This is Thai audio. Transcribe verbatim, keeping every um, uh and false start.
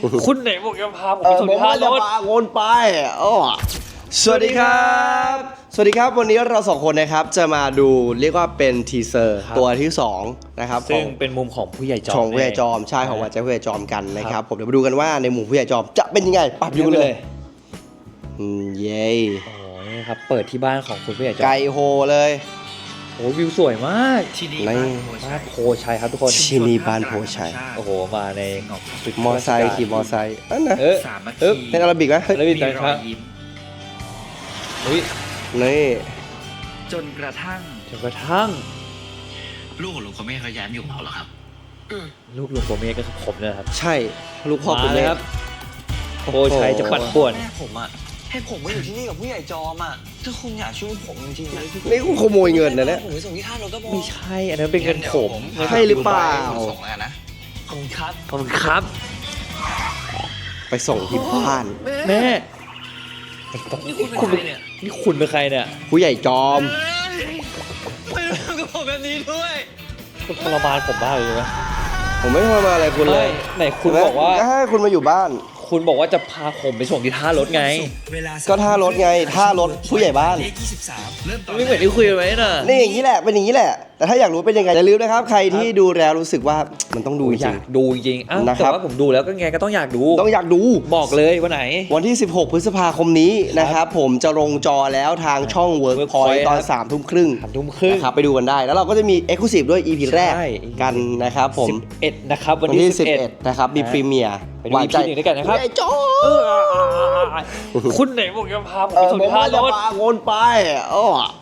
คุณไหนบอกจะพาผมเอไปอส่งผมท่าว่าร จะถพาวนไปอ๋อสวัสดีครับ สวัสดีครับวันนี้เราสองคนนะครับจะมาดูเรียกว่าเป็นทีเซอร์ตัวที่สองนะครับขซึ่อง งเป็นมุมของผู้ใหญ่จอมของผู้ใหญ่จอมใช่ของวัดใจผู้ใหญ่จอมกันนะครับผมเดี๋ยวมาดูกันว่าในหมู่ผู้ใหญ่จอมจะเป็นยังไงปรับอยู่กันเลยอืมเย้โอ้ยครับเปิดที่บ้านของคุณผู้ใหญ่จอมไกโฮเลยโอ้วิวสวยมากที่นี่ในบ้านโพชัยครับทุกคนที่นี่บ้านโพชัยโอ้โหมาในตึกมอไซค์ขี่มอไซค์นั่นนะเออสามนาเออทีเป็นอาราบิกไหมเฮ้ยแล้วมีมีแต่รคอรัยบยิ้มอุ้ยนี่จนกระทั่งจนกระทั่งลูกของลุงเขาไม่เขาย้ายมาอยู่กับเราหรอครับลูกลุงโกเมก็คือผมนะครับใช่ลูกพ่อคุณมาเลแม่ยครับโพชัยจะปั่นป่วนแม่ผมอะให้ผมมาอยู่ที่นี่กับผู้ใหญ่จอมอะถ้าคุณอยากช่วยผมจริงๆนะนี่กูขโมยเงินนะเนี่ยผมไปส่งที่ท่ารถก็พอไม่ใช่อันนั้นเป็นเงินผมใช่หรือเปล่าส่งแล้วนะขอบคุณครับขอบคุณครับไปส่งที่บ้านแม่นี่คุณเป็นใครเนี่ยนี่คุณเป็นใครเนี่ยผู้ใหญ่จอมไม่ทำกับผมแบบนี้ด้วยคุณทรมานผมบ้ากเลยนะผมไม่ทำอะไรคุณเลยไหนคุณบอกว่าก็ให้คุณมาอยู่บ้านคุณบอกว่าจะพาผมไปส่งที่ท่ารถไงเวลาก็ท่ารถไงท่ารถผู้ใหญ่บ้านเลขยี่สิบสามเริ่มตอนไม่เหมือนที่คุยกันไว้น่ะนี่อย่างนี้แหละเป็นอย่างนี้แหละ แต่ถ้าอยากรู้เป็นยังไงอย่าลืมนะครับ ใครที่ดูแล้วรู้สึกว่ามันต้องดูจอริยาง กดูจริงอ้าวนะคแต่รับว่าผมดูแล้วก็ไงก็ต้องอยากดูต้องอยากดูบอกเลยวันไหนวันที่ สิบหก พฤษภาคมนี้นะครับผมจะลงจอแล้วทางช่อง Workpoint Workpoint ตอนครับสามทุ่มครึ่งสามทุ่มครึ่งนะครับไปดูกันได้ แล้วเราก็จะมี Exclusive ด้วย อี พี แรกใช่กันนะครับผมสิบเอ็ดนะครับวันวันที่ที่สิบเอ็ดสิบเอ็ดนะครับมีพรีเมียร์ไปดู อี พี หนึ่งด้วยกันนะครับผู้ใหญ่จอเอมอคุณไหนบอกจะพาผมเอไปอส่งผมที่ท่าว่าร จะถพาวนไปอ๋อ